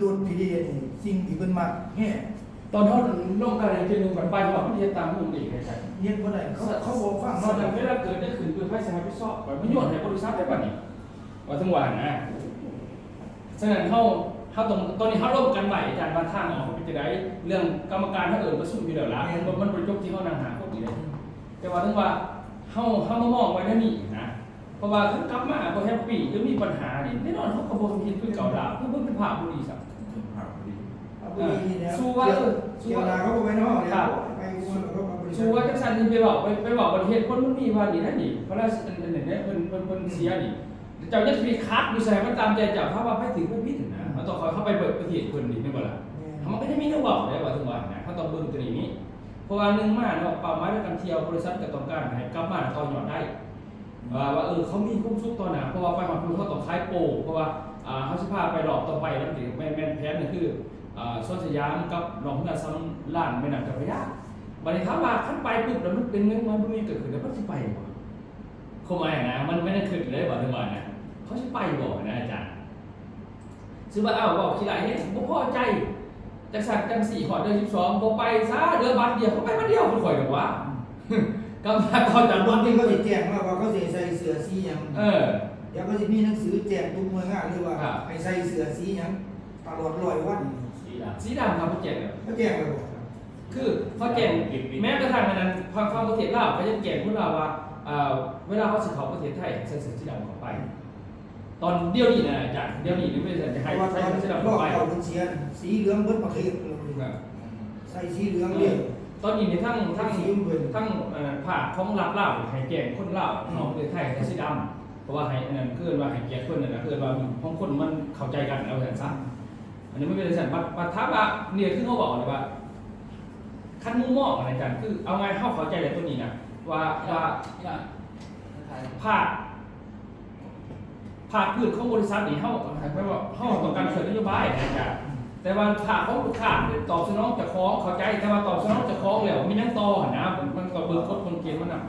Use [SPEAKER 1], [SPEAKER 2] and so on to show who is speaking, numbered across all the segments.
[SPEAKER 1] รถพีดีนี่สิ่งที่เพิ่นมักแฮ่
[SPEAKER 2] ตอนเขาลงกันในทีนึงแบบไปว่าประเทศตามมุมเองไงใช่
[SPEAKER 1] เฮ็ดบ่ได้เขาบอกฟัง
[SPEAKER 2] ตอน
[SPEAKER 1] เนาะ
[SPEAKER 2] นั้นเวลาเกิดได้ขึ้นคือไฟสมัยพิซอบมันโยนให้บริษัทได้ป่ะนี่ว่าทั้งวันนะฉะนั้นเขาตอนนี้เขาร่วมกันใหม่อาจารย์บางท่างออกเป็นจะได้เรื่องกรรมการเขาประชุมอยู่เดี๋ยวละมันประชุมที่เขานั่งหาพวกนี้เลยแต่ว่าทั้งว่าเขามามองไว้นั่นนี่นะเพราะว่าเขากลับมาพอแฮปปี้ก็มีปัญหานี่แน่นอนเขากระบวนการคือเก่าดาบเพื่อเป็นภาพบุรีสักสู้ว่า
[SPEAKER 1] เกี่ยวนาเขาบ่ไปเนาะไปวนเขามาบริษัท
[SPEAKER 2] สู้ว่าจังสันนี่ไปบอกประเทศคนมันมีว่านี่นั่นนี่เพราะว่าอันนี้เป็นเสียนี่เจ้าจะมีคัดดูใส่มันตามใจเจ้าถ้าว่าไปถึงไม่พิถึงนะมันต้องคอยเข้าไปเปิดประเทศคนนี่ไม่บ่ล่ะมันก็จะมีเรื่องบอกได้ว่าถึงวันนะเขาต้องเบิ่งตัวนี้เพราะว่านึงมาเนาะเป้าหมายในการเที่ยวบริษัทก็ต้องการให้กลับมาต่อยอดได้ว่าเขามีคุ้มซุกตอนหนาเพราะว่าไปหอดคุณเขาต้องคล้ายโปเพราะว่าเขาสิพาไปหลอกต่อไปแล้วถึงแม่นแพ้นี่คือสวนสยามกับหลอกเงินซ้ำล้านแม่น้ำเจ้าพระยาบัดนี้ถามว่าขั้นไปปุ๊บแล้วมันเป็นเงินมันไม่เกิดขึ้นแล้วมันสิไปบ่เขาหมายนะมันไม่ได้ขึ้นเลยบ่ถึงวันนะเขาสิไปบ่นะอาจารย์ซื้อว่าบอกทีไรเฮ็ดบ่พอใจจังสั่นจัง4ขอเดือน12บ่ไปซะเดือนบัดเดียวเขาไปบัดเดียวมันข่อยดอกว่ากำลังก่อนจะ
[SPEAKER 1] บางทีเขาสิแจ้งว่าเขาสิใส่เสื้อสีหยังเดี๋ยวเขาสิมีหนังสือแจ้งทุกหน่วยงานเลยว่าให้ใส่เสื้อสีหยังตลอด100วัน
[SPEAKER 2] สีดำครับเขาแจ้ง
[SPEAKER 1] เขาแจ้งเลยบ่
[SPEAKER 2] คือเขาแจ้งแม้กระทั่งนั้นความประเทศลาวเขาจะแจ้งพวกเราว่าเวลาเขาสิเข้าประเทศไทยใส่เสื้อสีดำเข้าไปตอนเดี๋ยวนี้นะอาจารย์เดี๋ยวนี้หรือไม่จะให้ใส่เสื้อสีดำเข้าไป
[SPEAKER 1] สีเหลืองเบิดประเทศเลยใส่สีเหลืองเนี่ย
[SPEAKER 2] ตอนนี้ในทั้งภาคของรัฐลาวให้แจ้งคนลาวของประเทศไทยใส่สีดำเพราะว่าให้อันนั้นคือว่าให้แก่คนนั่นนะคือว่าของคนมันเข้าใจกันเอาอย่างสั้นอันนี้ไม่เป็นสันปัทว่าเนี่ยคือเขาบอกเลยว่าขั้นมุ่งมองอะไรกันคือเอาไงเข้าใจในตัวนี้นะว่าภาคพื้นของบริษัทนี่เขาไม่ว่าเขาต้องการเสนอนโยบายนะจ๊ะแต่ว่าภาคของลูกค้าตอบสนองจะคล้องเข้าใจแต่ว่าตอบสนองจะคล้องแล้วมีนั่งต่อนะมันก็เบิกกฎคนเกณฑ์มันนะ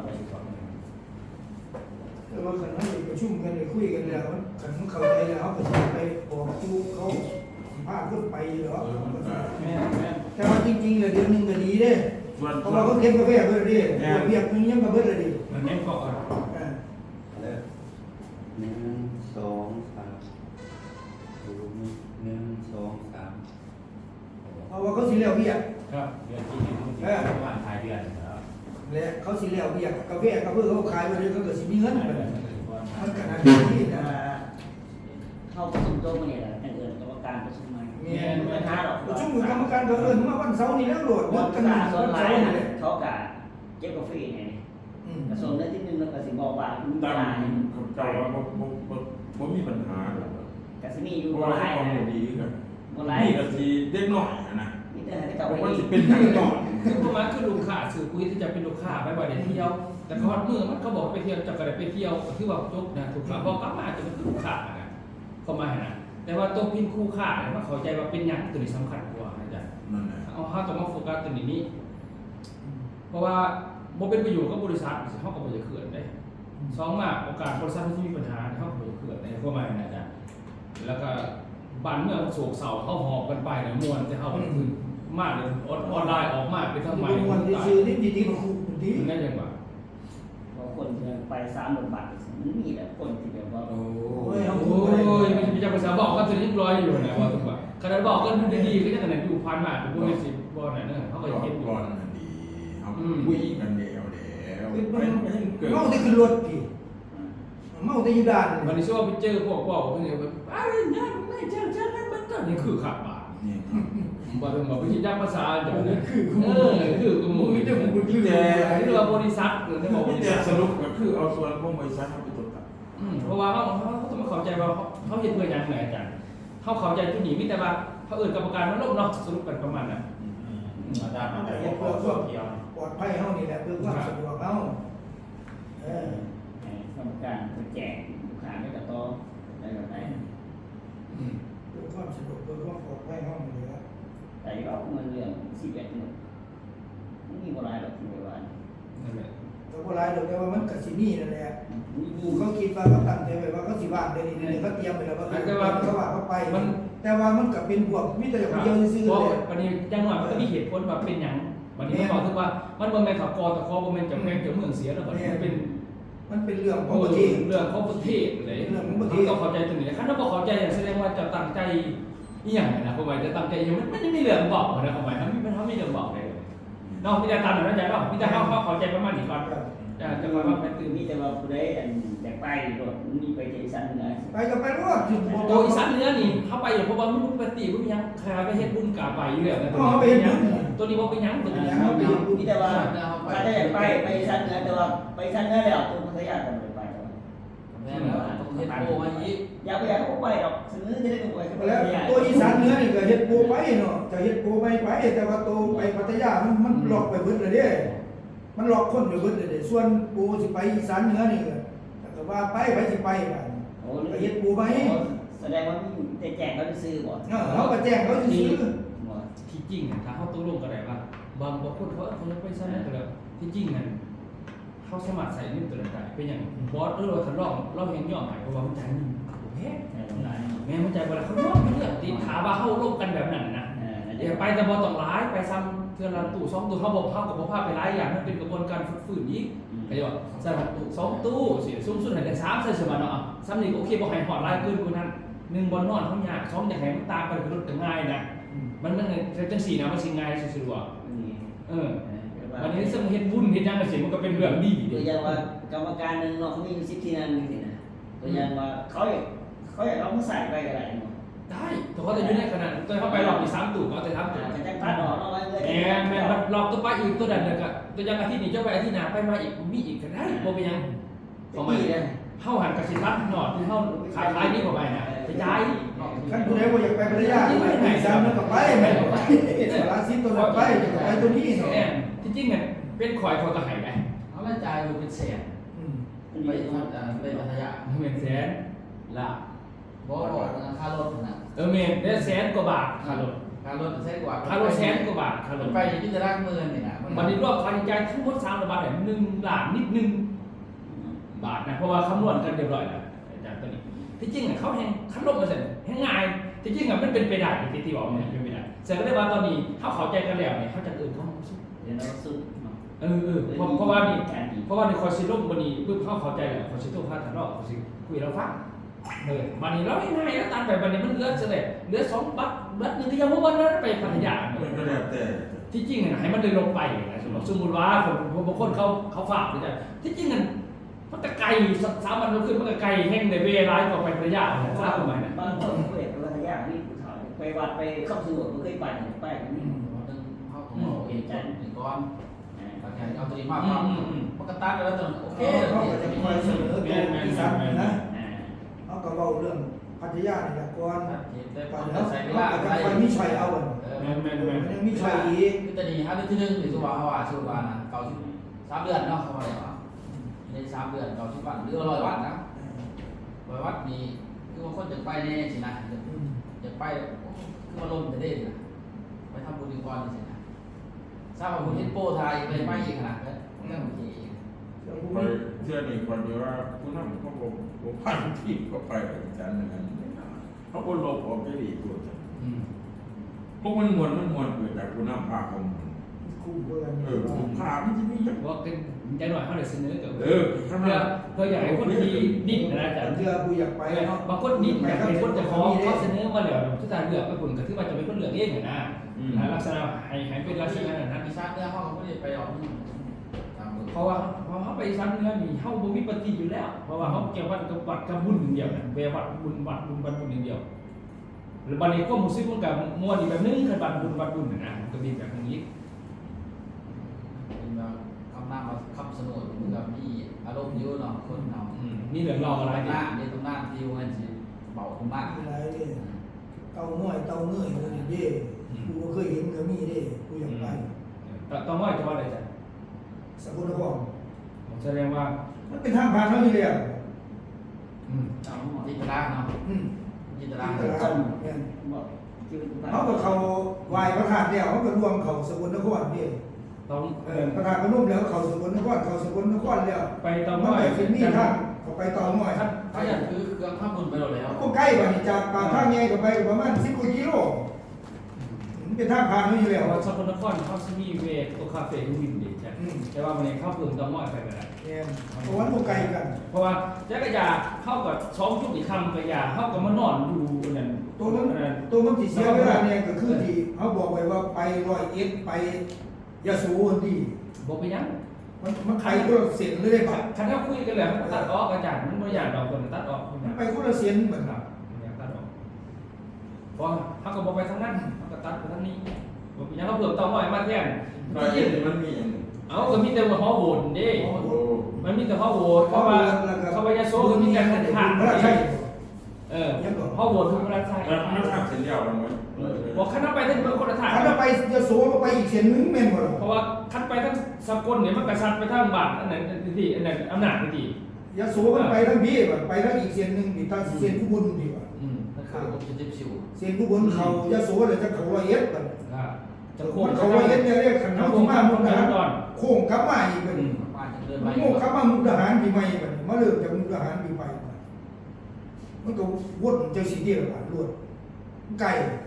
[SPEAKER 1] แต่ว่าขันเขาประชุมกันเลยคุยกันแล้วขันเขาเข้าใจแล้วเขาก็จะไปบอกจูเขาพาขึ้นไปเหรอแต่ว่าจริงๆเลยเดือนนึงก็ดีเด้เพราะว่าเขาเก็บกาแฟเพื่อเรียกเบียร์นึงยังกาแฟเลยดิ
[SPEAKER 2] มันแน่นก็
[SPEAKER 3] 1 2 3 1 2 3
[SPEAKER 1] เพราะว่าเขาสิเลี้ยวเบียร์
[SPEAKER 2] ครับ
[SPEAKER 4] เดือนที่1ประมาณท้ายเดือนแล้ว
[SPEAKER 1] และเขาสิเลี้ยวเบียร์กาแฟก็เพื่อเขาขายไปเลยเขาก็สิมีเงินมันขนาดนี้นะ
[SPEAKER 5] เข้าประชุมโต๊ะมาเนี่ยแหละแต่เอิญกรรมการประชุมมา
[SPEAKER 1] ไม่ท้าหรอกประชุมกรรมการก็เอิญมาวันเสาร์นี้แล้วโหลด
[SPEAKER 5] วัน
[SPEAKER 1] กัน
[SPEAKER 5] ส่วนหลายเขากะเก็บกาแฟไงกระทรวงได้ที่1แล้วก็สิบอกว่ามีเวลา
[SPEAKER 4] เจ้าว่าบ่มีปัญหาหรอก
[SPEAKER 5] กะสิมีอยู่
[SPEAKER 4] บ่หลายดีครับนี่ก็สิเด็กน้อยนะ
[SPEAKER 5] นี่แต่ให้เจ้า
[SPEAKER 4] มันสิเป็นทางจอด
[SPEAKER 2] คือประมาณคือลูกค้าสื่อคุยที่จะเป็นลูกค้าไปบ่อยเที่ยวแต่พอเมื่อมันเขาบอกไปเที่ยวจะกระไดไปเที่ยวคือว่าจบนะถูกครับบอกกลับมาจะเป็นลูกค้านะเข้ามานะแต่ว่าตัวพินคู่ค่าเนี่ยมันเข้าใจว่าเป็นอย่างตัวนี้สำคัญกว่าอาจารย์เอาเขาต้องมาโฟกัสตัวนี้เพราะว่าโมเป็นประโยชน์กับบริษัทเขาก็ไม่จะเขื่อนได้2มากโอกาสบริษัทที่มีปัญหาเขาก็ไม่จะเขื่อนได้เข้ามานะอาจารย์แล้วก็บ้านเมืองโศกเศร้าเขาหอบกันไปเนี่ยมวนจะเข้าไปคือมากเลยออนไลน์ออกมากเป็นทำไม
[SPEAKER 1] วันที่ซื้อนี่ดีๆมาคุยดี
[SPEAKER 2] มันได้ยังไง
[SPEAKER 5] คนไป30 บาทมันมีแต่คนที่แบบว่า
[SPEAKER 2] โอ้ยมีเจ้าภาษาบอกก็จะเรียบร้อยอยู่นะว่าถูกป่ะขณะบอกก็ดูดีๆก็จะขนาดอยู่พันมากเป็นพวกนี้สิบอลเนี่ยเขาก็เห็นอยู่
[SPEAKER 4] บอลมันดีเขาคุยกันเดียว
[SPEAKER 1] เมาได้ขึ้นรถพี่เมาได้อยู่ด่าน
[SPEAKER 2] วันนี้ช่วงไปเจอพวกบอกเพื่อนแบบอะไรเนี่ยไม่เจอนั่นมันก็นี่คือขับมาบอกถึงบอกวิธีด้านภาษาอย่างนี้คือมึงไม่ได้มึงที่นี่เราบริษัทหรือที่บอก
[SPEAKER 4] บริษัทสรุปก็คือเอาส่วนพวกบริษัททำไปจดกัน
[SPEAKER 2] เพราะว่าเขาต้องมาเข้าใจว่าเขาเห็นเพื่อยังไงอาจารย์เขาเข้าใจจุดนี้มิแต่ว่าเขากรรมการมันลบเนาะสรุปกันประมาณนั้น
[SPEAKER 4] อาจารย์มันจะ
[SPEAKER 1] เพื่อปลอดภัยเขานี่แหละเพื่อความสะดวกเขา
[SPEAKER 5] กรรมการไปแจกลูกค้าไม่กระโตได้แบบไหน
[SPEAKER 1] เพื่อความสะดวกเพื่อความปลอดภัยเขานี่แหละ
[SPEAKER 5] แต่ที่เราเงินเรื่อง11เนี่ยมันมีโบราณหรอกที่โบราณ
[SPEAKER 2] นั่นแหละ
[SPEAKER 1] แต่โบราณแต่ว่ามันกับซีนี่นั่นแหละเขาคิดว่าเขาตั้งใจไว้ว่าเขาสิบ้านเดี๋ยวนี้เขาเตรียมไปแล้วว่าเขาว่าเขาไปแต่ว่ามันก็เป็นพวกมิตรอย่างเดียวซื่อ
[SPEAKER 2] เพราะ
[SPEAKER 1] เลย
[SPEAKER 2] วันนี้จังหวะมันก็มีเหตุผลว่าเป็นหยังวันนี้มันบอกถึงว่ามันบ่แม่นขับกอตะคอบ่แม่นจะแม่นจะเมืองเสียแล้วบัดนี้มันเป็น
[SPEAKER 1] มันเป็นเรื่องของประเทศ
[SPEAKER 2] เรื่องของประเทศเลย
[SPEAKER 1] เรื่องของประเทศ
[SPEAKER 2] ต้องเข้าใจตรงนี้คันถ้าบ่เข้าใจแสดงว่าจะตั้งใจอีหยังนะผมว่าจะตั้งใจอีหยังมันยังมีเรื่องบอกนะผมว่ามันมีเรื่องบอกเลยเนาะมีแต่ตามนั้นใจเนาะมีแต่เฮาเข้าใจประมาณนี้ก่อนจะคอยว่าเป็นตื่น
[SPEAKER 5] มีแต่ว่าผู้ใดอยากไปโดดมีไปที่อีสานเหนือ
[SPEAKER 1] ไปกับไปรวดถึง
[SPEAKER 2] โตอีสานเหนือนี่เข้าไปเพราะว่ามันปกติมันยังคาไปเฮ็ดบุญกาไปอยู่แล้วนะตัวนี้บ่เป็นหยังตัวนี้
[SPEAKER 5] มีแต่ว่าถ้าได้อยากไปอีสานเหนือแต่ว่าไปอีสานเหนือแล้วตัวพัทยาก็ไม่ไป
[SPEAKER 3] แม่แล้วต้องเฮ็ดโปมาอีก
[SPEAKER 5] อยากไปอยากก็ไปหรอกซื้อจะได้ไปก็ไป
[SPEAKER 1] แล้วตัวอีสานเหนือนี่ก็เฮ็ดโปไปเนาะจะเฮ็ดโปไปแต่ว่าตัวไปพัทยามันหลอกไปเบิดเลยเด้มันหลอกคนไปเบิดเลยเด้ส่วนโปสิไปอีสานเหนือนี่ก็ว่าไปสิไปบัด
[SPEAKER 5] โอ้
[SPEAKER 1] ก็เฮ็ดโปไป
[SPEAKER 5] แสดงว่าแต่แจกเขาซื้อบ่
[SPEAKER 1] เขาก็แจ้งเขาซื้อ
[SPEAKER 2] ที่จริงน่ะถ้าเฮาตกลงกันได้ว่าบางคนเขาจะไปซั่นก็แล้วที่จริงนั่นเขาสมัครใส่เงินตัวนั้นได้เป็นอย่างบอสเราทะเลาะเราเห็นย่อหมายเพราะว่ามันจ่ายเงินแพงแม่มันจ่ายเวลาเขาย่อมเรื่องตีถาว่าเฮาร่วมกันแบบนั้นนะอย่าไปแต่บ่ต้องร้ายไปซ้ำเทื่อละตู้2ตู้เฮาบ่พากับบ่พาไปหลายอย่างมันเป็นกระบวนการฝึกฝืนอีกก็ว่าใส่ตู้2ตู้สิสูงสุดให้ได้3ใส่สมาเนาะซ้ำนี่โอเคบ่ให้ฮอดหลายเกินกว่านั้น1บ่นอนเฮายาก2อยากให้มันตามไปคือรถก็ง่ายนะมันจังซี่นะมันสิง่ายซื่อๆว่าวันนี้ซึ่งเฮ็ดบุญเฮ็ดหยังก็สิมันก็เป็นเรื่องดี
[SPEAKER 5] ตัวอย่างว่ากรรมการนึงเนาะเขามี10ที่นั่นนี่นะตัวอย่างว่าเขาอยากเอามาใส่ไปก็ได้เนาะ
[SPEAKER 2] ได้แต่เขาจะอยู่ในขนาดตัวเขาไปรอบที่3ตู้ก็จะทำ
[SPEAKER 5] แต่จะตัดออกเนาะไว้เลย
[SPEAKER 2] แม่รอบตัวไปอีกตัวใดเด้อก็ตัวอย่างอาทิตย์นี้เจ้าไปอาทิตย์หน้าไปมาอีกมีอีกก็ได้บ่เป็นหยังของมันเฮาหันกสิรัดหนอดที่เฮาขายนี่เข้าไปน่ะกระจาย
[SPEAKER 1] คันผู้ใดบ่อยากไปพัทยาไปอีสานเหนือก็ไปแม่นบ่สารสิตัวนั้นไปตัวนี้เนาะ
[SPEAKER 2] แน่ที่จริงเนี่ยเป็นข่อยก็ให้ได้
[SPEAKER 3] เอาละจ่ายอยู่เป็นแสนไปพัทยา
[SPEAKER 2] เหมือนแสนละ
[SPEAKER 3] บ่ค่ารถนะ
[SPEAKER 2] แม่นได้แสนกว่าบาทค่ารถ
[SPEAKER 3] ค่ารถแสนกว่า
[SPEAKER 2] ค่ารถแสนกว่าบาทค่ารถ
[SPEAKER 3] ไปที่จะรักเมืองนี่นะ
[SPEAKER 2] วันนี้รอบค่าใช้จ่ายทั้งหมด3บาทเนี่ย1ล้านนิดนึงบาทนะเพราะว่าคำนวณกันเรียบร้อยแล้วอาจารย์ตัวนี้ที่จริงเขาแห่งคันลบมาเสร็จแห่งง่ายที่จริงมันเป็นไปได้ที่บอกเนี่ยเป็นไปได้เสร็จก็ได้ว่าตอนนี้เขาเข้าใจกันแล้วเนี่ยเขาจะเขาสู้
[SPEAKER 5] เดี๋ยวเราสู้
[SPEAKER 2] เพราะว่าในคอร์ซิโลวันนี้เพื่อเขาเข้าใจแล้วคอร์ซิโลพาทานอกคอร์ซิคุยเราฟังวันนี้เราง่ายแล้วตามแบบวันนี้มันเหลือเสร็จเหลือ2บัตรนึงที่ยังวันนั้นไปพัทยา
[SPEAKER 4] ก็แล้วแต่
[SPEAKER 2] ที่จริงให้มันเดินลงไปนะสมมติว่าบางคนเขาฝากเลยที่จริงมันตะไกล3 วันขึ้นมันตะไกลแห้งในเวลาต่อไปพัทยาทราบไหมนะ
[SPEAKER 5] บางคนไปพัทยานี่ผู้ชายไปวัดไปเข้าสู่บ่เคยไปไปนี่
[SPEAKER 3] เขาต้องเอาเองจันถึงก่อนเอาตัวนี้มามันก็ตัดแล้วจนโอเค
[SPEAKER 1] เขาก็จะคอยเสนอตัวอีสานนะเขาก็เว้าเรื่องพัทยานี่แหละก่อน
[SPEAKER 3] ได้
[SPEAKER 1] ก่
[SPEAKER 3] ก่
[SPEAKER 1] อ
[SPEAKER 3] อน น
[SPEAKER 1] แล้
[SPEAKER 3] แล้ว ว
[SPEAKER 1] ใส่
[SPEAKER 3] ใส่
[SPEAKER 1] เว
[SPEAKER 3] เว
[SPEAKER 1] ลา
[SPEAKER 3] ลา
[SPEAKER 1] ก็
[SPEAKER 3] ไป
[SPEAKER 1] จะไปมีชัยเอาอ่ะ
[SPEAKER 2] แม่
[SPEAKER 1] มันยังมีชัยอีก
[SPEAKER 3] คือจะดีครับที่นึงหรือสุวรรณว่าสุวรรณนะเก่า3 เดือนเนาะเขาว่าอย่างใน3 เดือนเก่า10 วันหรือ100 วันนะ100 วันนี้คือว่าคนจะไปแน่สินะจะไปคือมาลมจะเด่นนะไปทำบุญก่อนสินะทราบว่าบุญเฮ็ดโป้ไทยไปไม่อีกขนาดนั้นก็โอเค
[SPEAKER 4] ไปเชื่อนี่คนเดียวว่าผู้นำเขาบอกผ่านที่เขาไปกันนั้นเขาคนโลกออกจะดีกว่าพวกมันมวนเกิดจากผู้นำพาเขา
[SPEAKER 1] คู่เพื่อน
[SPEAKER 4] คุ้มค่ามันจะมีอย่าง
[SPEAKER 2] ว่าเป็นใจหน่อยเขาเลยเสนอกับ
[SPEAKER 4] เพื่อ
[SPEAKER 2] อยากให้คนที่ดิ้นนะอาจารย์
[SPEAKER 1] เรือกูอยากไปเนาะ
[SPEAKER 2] บางคนดิ้นอยากให้คนจะขอเขาเสนอมาแล้วทุกทางเลือกไปคุณก็ถือว่าจะเป็นคนเลือกเองนะลักษณะให้เป็นลักษณะนั้น
[SPEAKER 3] มีชาติเนี่ยเขาไม่ได้ไปออก
[SPEAKER 2] เพราะว่าเขาไปซ้ำเนื้อนี่เขาบ่มีปฏิอยู่แล้วเพราะว่าเขาเกี่ยววัดกับวัดกับบุญอย่างเดียวนะเววัดบุญอย่างเดียวหรือบัดนี้ก็มุสลิมมันกับมัวอีกแบบนึงคือวัดบุญนะก็มีแบบนี้
[SPEAKER 3] เป็นแบบคำนามคำสนุนเหมือนกับมีอารมณ์เยอะเนาะคนเนาะ
[SPEAKER 2] นี่เหลืองรออะไร
[SPEAKER 3] หน้าเนี่ยตรงหน้าที่วันสิเบาตรงหน้า
[SPEAKER 1] อะไรเนี่ยเตาง่อยเตาเงยคนนี้เด้กูเคยเห็นก็มีเด้กูอยากไป
[SPEAKER 2] ต้องว่าจะว่าอะไรจ๊ะ
[SPEAKER 1] สกลนคร
[SPEAKER 2] แสดงว่า
[SPEAKER 1] มันเป็นทางผ่านเท่านี้เลย
[SPEAKER 3] จิตราเนาะจิตรา
[SPEAKER 1] เขาก็เขาวายพระธาตุแล้วเขาก็รวมเขาสกลนครนี่
[SPEAKER 2] ต้อง
[SPEAKER 1] พระธาตุพนมแล้วเขาสกลนครแล้ว
[SPEAKER 2] ไปต้อง
[SPEAKER 1] มัน
[SPEAKER 2] ว่า
[SPEAKER 1] ไปฟินนี่ทางเขาไปต่อหน่อย
[SPEAKER 2] ค
[SPEAKER 3] ถ้าอย่างคือเครื่องข้ามบุญไปแล้ว
[SPEAKER 1] ก็ใกล้กว่านี่จากปากทางใหญ่ก็ไปประมาณ10 กว่ากิโลมันเป็นทางผ่านอยู่
[SPEAKER 2] แต่
[SPEAKER 1] แล้ว
[SPEAKER 2] ว่าสกลนครเขาจะมีเวทตัวคาเฟ่วินดีใช่แต่ว่ามันเข้าเพิ่มต้องน้อยไปก็ได้
[SPEAKER 1] เนี่ยเพราะว่ามันไกลกัน
[SPEAKER 2] เพราะว่าจักรยานเข้ากับซ้อมชุดอีกคำกระยาเข้ากับมานอนดูนั่น
[SPEAKER 1] ตัวมันสิเสียเวลาเนี่ยก็คือที่เขาบอกไว้ว่าไป101ไปยะโสดี
[SPEAKER 2] บอกไปยัง
[SPEAKER 1] มันไปคนละเส้นเลยครับ
[SPEAKER 2] คันถ้าคุยกันแล้วตัดออกอาจารย์มันไม่อยากเราคนตัดออก
[SPEAKER 1] มันไปคนละเส้นเหมือน
[SPEAKER 2] ค
[SPEAKER 1] กั
[SPEAKER 2] รั
[SPEAKER 1] บบ
[SPEAKER 2] อยากตัดออกเพราะเขาก็บอกไปทางนั้นเขาก็ตัดไปทางนี้บอกไปยังเขาเพิ่มต้องน้อยมาแทน
[SPEAKER 4] รอยเอ็ดมันมีอย่าง
[SPEAKER 2] เอาก็มีแต่ว่าฮอโหวตเด้
[SPEAKER 4] โอ้โห
[SPEAKER 2] มันมีแต่ฮอโหวตเพราะว่าเขาไปยาโซก็มีแต่ขาด
[SPEAKER 1] พระราชัย
[SPEAKER 2] ฮอโหวตทุกพระราชา
[SPEAKER 4] แล้วมันทำเส้นยาวมันไหม
[SPEAKER 2] บอกขั้นไปทั้งเมืองคนละทาง
[SPEAKER 1] ถ้าไปยะโสก็ไปอีกเส้นนึงแม่นบ่ล่ะ
[SPEAKER 2] เพราะว่าขั้นไปทั้งสกลเนี่ยมันกระชันไปทั้งบาทอันไหนที่อันไหนอำนาจที่
[SPEAKER 1] ยะโสมันไปทั้งพี่บ่ไปทั้งอีกเส้นนึงนี่ทางเส้นอุบลดีกว่า
[SPEAKER 3] นะครับผมจะจิ้มชิว
[SPEAKER 1] เส้นอุบลเขายะโสเลยจะเขา101บัด
[SPEAKER 2] จะโค
[SPEAKER 1] คน
[SPEAKER 2] น
[SPEAKER 1] เขา101เนี่ยเรียกขันเฮาสิมามุกดาหารโค้งกลับมาอีกบัดนี้
[SPEAKER 3] บ้านจะเดิน
[SPEAKER 1] มั
[SPEAKER 3] ไป
[SPEAKER 1] นโง่กลับมามุกดาหารปีใหม่บัดนี้มาเริ่มจากมุกดาหารปีใหม่มันก็วนจังซี่เดียวกันรวดไกล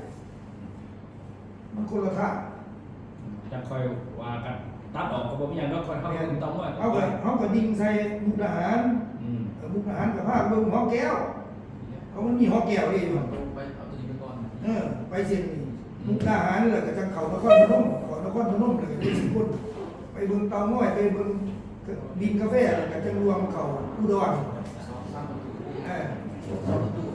[SPEAKER 1] มันคนละทาง
[SPEAKER 2] จะคอยว่ากันตัดออกก็บอกอย่างเราคอยเข้าถึงต้องว่า
[SPEAKER 1] เขาก็ดิ่งใส่มุกดาหารมุกดาหารกับภาคเบิ่งหอแก้วเขามันมีหอแก้วดิอยู่
[SPEAKER 3] ไปเอาตัวนี้ไปก่อน
[SPEAKER 1] ไปเส้นนี้มุกดาหารแล้วก็จังเขานครพนมเขานครพนมแล้วก็ได้10 คนไปเบิ่งเตาง้อยไปเบิ่งดินกาแฟแล้วก็จังรวมเขาอุดร
[SPEAKER 3] สร้างประตู
[SPEAKER 1] เออ
[SPEAKER 3] สร้างประตู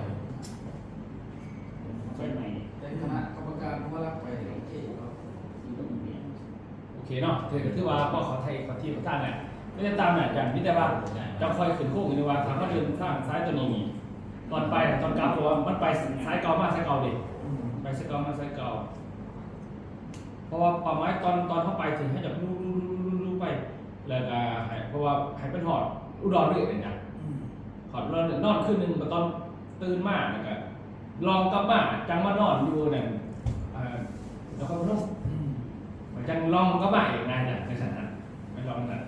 [SPEAKER 5] ใช่ไหม
[SPEAKER 3] เป็นคณะกรรมการผู้รับไปโอเคครับ
[SPEAKER 2] โอเคเนาะคือว่าพ่อเขาไทยเขาที่เขาตั้งเนี่ยไม่ได้ตามเนี่ยอย่างพิจารณาจะคอยขึ้นโค้งอยู่ในว่าถามว่าเดินข้างซ้ายตัวนี้ตอนไปตอนกลับตัวมันไปซ้ายเก่ามากซ้ายเก่าดิไปซ้ายเก่ามาซ้ายเก่าเพราะว่าป่าไม้ตอนเข้าไปถึงให้จับลู่ไปแล้วก็เพราะว่าให้เป็นหอดอุดรด้วยเนี่ยหอดอุดรนอนขึ้นหนึ่งตอนตื่นมากแล้วก็ลองกลับมาจังมานอนอยู่เนี่ยแล้วก็พนมมันจังลองกลับมาอีกไงเนี่ยในสถานะไม่ลองนะ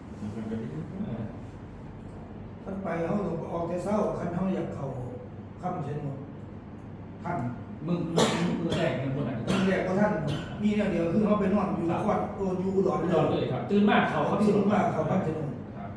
[SPEAKER 1] ท่านไปเขาต้องออกแต่เช้าคันเขาอยากเขาค่ำเช่นหมดท่าน
[SPEAKER 2] มึงแรกมึงคนไหน
[SPEAKER 1] ท่านแรกก็ท่านมีเนี่ยเดียวคือเขาไปนอนอยู่นครอยู่อุดร
[SPEAKER 2] อุดรเลยครับตื่นมากเขา
[SPEAKER 1] เขา
[SPEAKER 2] ที่
[SPEAKER 1] ตื่
[SPEAKER 2] สุ
[SPEAKER 1] น
[SPEAKER 2] ด
[SPEAKER 1] มาเขาค่ำเช่นหมด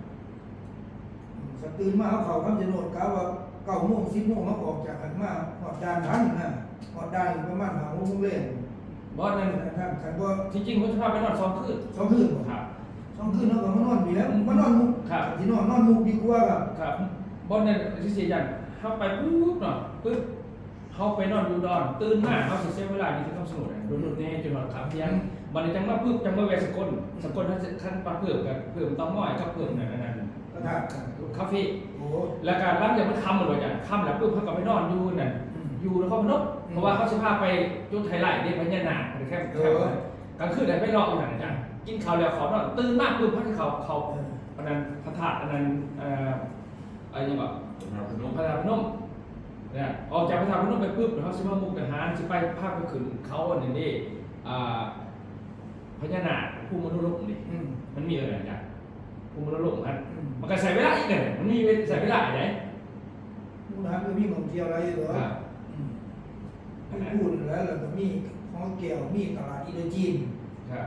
[SPEAKER 1] ตื่นมาเขาค่ำเช่นหมดกะว่า9 โมง 10 โมงเขาออกจากกันมาหอดด่านทันนะหอดด่านประมาณ5 โมงเล่น
[SPEAKER 2] บอสนั่น
[SPEAKER 1] ท่านคันว่า
[SPEAKER 2] ที่จริงเขาจะพาไปนอน2 คืน
[SPEAKER 1] 2 คืน
[SPEAKER 2] ครับ
[SPEAKER 1] 2 คืนเขาก็มานอนอยู่แล้วมานอนมุก
[SPEAKER 2] ครับ
[SPEAKER 1] ที่นอนมุกดีกว่าครับ
[SPEAKER 2] ครับบอสนั่นที่เสียอย่างเขาไปปุ๊บเนาะปุ๊บเขาไปนอนอยู่ดอนตื่นมาเขาเสียเวลาที่ต้องสนุกโดนแน่จนนอนขับยังบันนี้จังมาปุ๊บจังมาแวะสกลท่านปลาเพิ่มกับเพิ่มต้องม้อยกับเพิ่มนั่น
[SPEAKER 1] ก็ท่าน
[SPEAKER 2] คาเฟ่
[SPEAKER 1] โอ้
[SPEAKER 2] แล้วการร่างอย่างมันคำหมดเลยอย่างคำแล้วปุ๊บเขาก็ไปนอนอยู่นั่นอยู่แล้วเขาพนกเพราะว่าเขาจะพาไปจุดไทยไลท์เนี่ยพญานาคหรือแค่กลางคืนไหนไม่รออยู่ไหนจ้ะกินข้าวแล้วขอนอนตื่นมากปุ๊บพักเขาอันนั้นพระธาตุอันนั้นอะไรอย่างเงี้ยพระธาตุพนมเนี่ยออกจากพระธาตุพนมไปปุ๊บเขาจะมามุกดาหารจะไปภาคไปขึ้นเขาอันนี้นี่พญานาคภูมิมนุษย์โลกนี่มันมีอะไรอย่างภูมิมนุษย์โลกมันก็ใส่เวลาอีกเนี่ยมันมีใส่เวลาไหน
[SPEAKER 1] มุกดาหารก็มีของเที่ยวอะไรเหรอพูดแล้วเราก็มีของเกี่ยวมีตลาดอินโดจีน
[SPEAKER 2] ครับ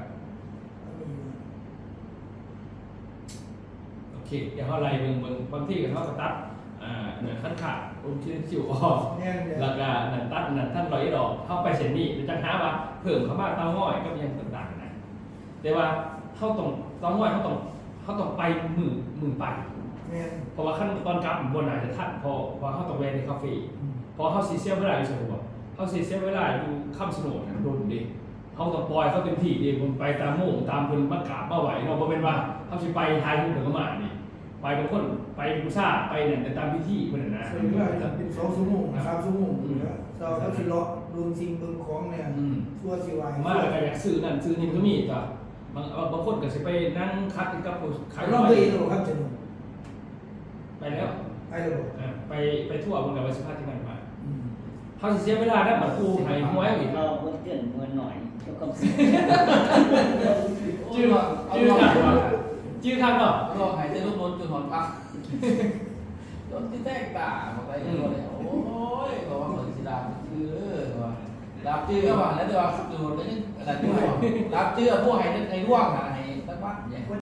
[SPEAKER 2] โอเคเดี๋ยวเขาไล่เบิ่งบางที่เขาก็ตัดเนี่ยขั้นขาดชิ้นสิวออก
[SPEAKER 1] แน่นเลย
[SPEAKER 2] แล้วก็นั่นตัดนั่นท่านร้อยดอกเข้าไปเส้นนี้จะหาว่าเพิ่มเข้ามาเต้าห้อยก็ยังต่างๆนะแต่ว่าเขาต้องเต้าห้อยเขาต้องไปมือไป
[SPEAKER 1] แน่น
[SPEAKER 2] เพราะว่าขั้นตอนกลับบนอาจจะทันพอเขาต้องแวะในคาเฟ่พอเขาซีเซียเวลาอยู่สนุกเขาซีเซียเวลาอยู่ข้ามสนุกโดนดิเขาต้องปล่อยเขาเต็มที่ดิมันไปตามโม่งตามเพิ่นมากราบมาไหวเราบ่เป็นว่าเขาสิไปทายรูปเดี๋ยวก็มานี่ไปบางคนไปบูชาไปเนี่ยแต่ตามพิธีเพิ่นนะ
[SPEAKER 1] ใช้เวลาจะเป็น2 ชั่วโมง3 ชั่วโมงอยู่แล้วเราก็สิเลาะดูสิ่งเบิ่งของเนี่ยชั่วสิวาย
[SPEAKER 2] มาแล้วก็อยากซื้อนั่นซื้อนี่ก็มีจ้ะบางคนก็สิไปนั่งคัดกับผู้ขาย
[SPEAKER 1] เราไปเองหรอครับจะดู
[SPEAKER 2] ไปแล้ว
[SPEAKER 1] ไปเลย
[SPEAKER 2] ไปทั่วเมืองกับวัชิพาที่นั่นมาเขาสิเสียเวลาได้เหมือนกูให้หวยอีก
[SPEAKER 5] เราเพิ่มเตือนมวลหน่อยเกี่ยวกับสิ่ง
[SPEAKER 2] ชื่อทางว่าชื่อทางเนาะ
[SPEAKER 3] รอหายใจลดลดจนหอนพัก
[SPEAKER 2] บ
[SPEAKER 3] รถที่แตกต่างมาไปกันหมดเลยโอ้ยบอกว่าเหมือนสิดาบชื่อว่าดาบชื่อก็ว่าแล้วแต่ว่าดูแล้วนี่อะไรด้วยดาบชื่อพวกให้ร่วงอะไรตั้งวัดเนี่ย